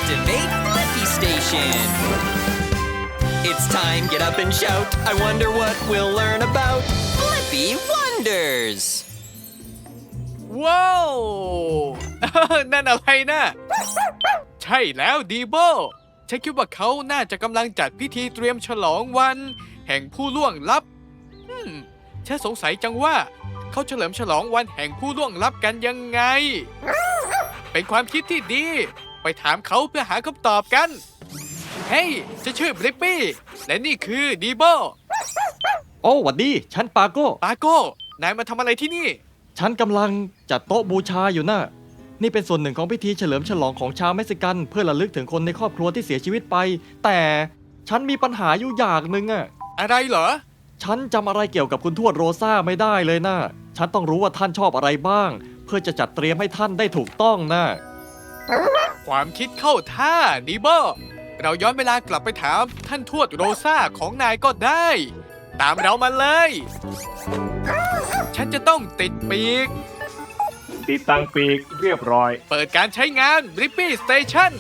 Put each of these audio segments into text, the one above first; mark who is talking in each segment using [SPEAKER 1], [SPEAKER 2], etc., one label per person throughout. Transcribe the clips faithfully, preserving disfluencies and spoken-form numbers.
[SPEAKER 1] Activate Flippy Station. It's time, get up and shout. I wonder what we'll learn about Flippy Wonders.
[SPEAKER 2] ว้าว นั่นอะไรนะใช่แล้วดีโบฉันคิดว่าเขาน่าจะกำลังจัดพิธีเตรียมฉลองวัน แห่งผู้ล่วงลับอืมฉันสงสัยจังว่าเขาเฉลิมฉลองวันแห่งผู้ล่วงลับกันยังไง เป็นความคิดที่ดี ไปถามเขาเพื่อหาคำตอบกัน เฮ้ยฉันชื่อบลิปปี้และนี่คือดีโบ
[SPEAKER 3] โอ้หวัดดีฉันปาโก้
[SPEAKER 2] ปาโก้นายมาทำอะไรที่นี่
[SPEAKER 3] ฉันกำลังจัดโต๊ะบูชาอยู่นะนี่เป็นส่วนหนึ่งของพิธีเฉลิมฉลองของชาวเม็กซิกันเพื่อระลึกถึงคนในครอบครัวที่เสียชีวิตไป แต่ฉันมีปัญหาอยู่อย่างหนึ่งอะ
[SPEAKER 2] อะไรเหรอ
[SPEAKER 3] ฉันจำอะไรเกี่ยวกับคุณทวดโรซ่าไม่ได้เลยนะฉันต้องรู้ว่าท่านชอบอะไรบ้าง เพื่อจะจัดเตรียมให้ท่านได้ถูกต้องนะ
[SPEAKER 2] ความคิดเข้าท่าดีโบเราย้อนเวลากลับไปถามท่านทวดโรซ่าของนายก็ได้ ตามเรามาเลย ฉันจะต้องติดปีก
[SPEAKER 4] ติดตั้งปีกเรียบร้อย
[SPEAKER 2] เปิดการใช้งาน Blippi Station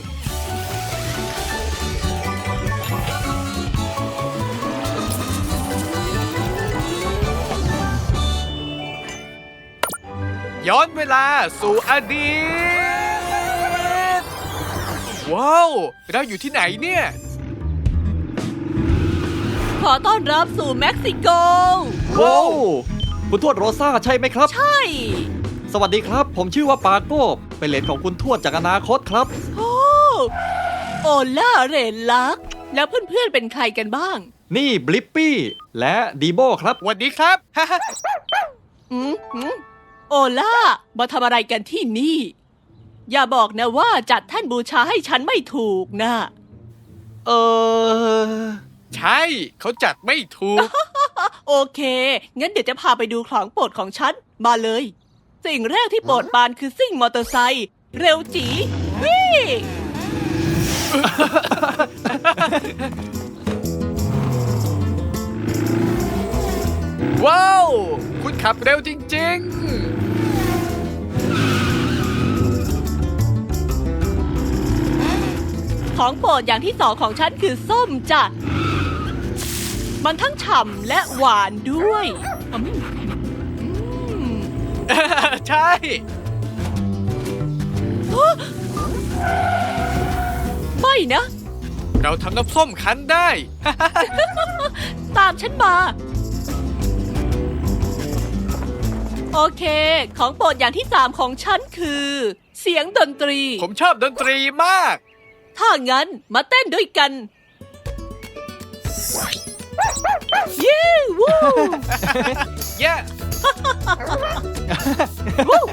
[SPEAKER 2] ย้อนเวลาสู่อดีต ว้าว เราอยู่ที่ไหนเนี่ย
[SPEAKER 5] ขอต้อนรับสู่เม็กซิโก
[SPEAKER 3] ว้าวคุณทวดโรซ่าใช่ไหมครับ
[SPEAKER 5] ใช่
[SPEAKER 3] สวัสดีครับ ผมชื่อว่าปาโก้เป็นเหลนของคุณทวดจากอนาคตครับ
[SPEAKER 5] โอ้โอล่าเรนลัก แล้วเพื่อนๆเป็นใครกันบ้าง
[SPEAKER 3] นี่บลิปปี้และดีโบครับ
[SPEAKER 2] สวัสดีครับ
[SPEAKER 5] อืมอืมโอล่า มาทำอะไรกันที่นี่ อย่าบอกนะว่าจัดแท่นบูชาให้ฉันไม่ถูกนะ
[SPEAKER 3] เออ
[SPEAKER 2] ใช่ เขาจัดไม่ถูก
[SPEAKER 5] โอเค งั้นเดี๋ยวจะพาไปดูของโปรดของฉัน มาเลย สิ่งแรกที่โปรดปรานคือซิ่งมอเตอร์ไซค์เร็วจีวิ่ง
[SPEAKER 2] ว้าว คุณขับเร็วจริง
[SPEAKER 5] ของโปรดอย่างที่สองของฉันคือส้มจ้ะ มันทั้งฉ่ำและหวานด้วยอืมอืม
[SPEAKER 2] ๆ ใช่
[SPEAKER 5] ไม่นะ
[SPEAKER 2] เราทำน้ำส้มคั้นได้
[SPEAKER 5] ตามฉันมา โอเค ของโปรดอย่างที่สามของฉันคือ เสียงดนตรี
[SPEAKER 2] ผมชอบดนตรีมาก
[SPEAKER 5] ถ้างั้นมาเต้นด้วยกัน เย้วู้
[SPEAKER 2] เย้
[SPEAKER 5] วู้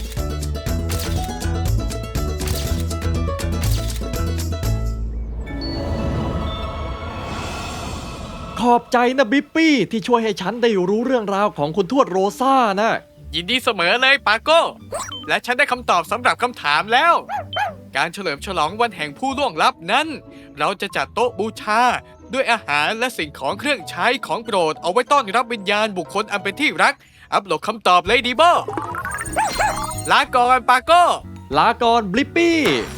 [SPEAKER 3] ขอบใจนะบลิปปี้ที่ช่วยให้ฉันได้รู้เรื่องราวของคุณทวดโรซ่านะ
[SPEAKER 2] ยินดีเสมอเลยปาโก้ และฉันได้คำตอบสำหรับคำถามแล้ว การเฉลิมฉลองวันแห่งผู้ล่วงลับนั้น เราจะจัดโต๊ะบูชา ด้วยอาหารและสิ่งของเครื่องใช้ของโปรดเอาไว้ต้อนรับวิญญาณบุคคลอันเป็นที่รัก อัปโหลดคำตอบเลยดีโบลาก่อนปาโก้
[SPEAKER 3] ลาก่อนบลิปปี้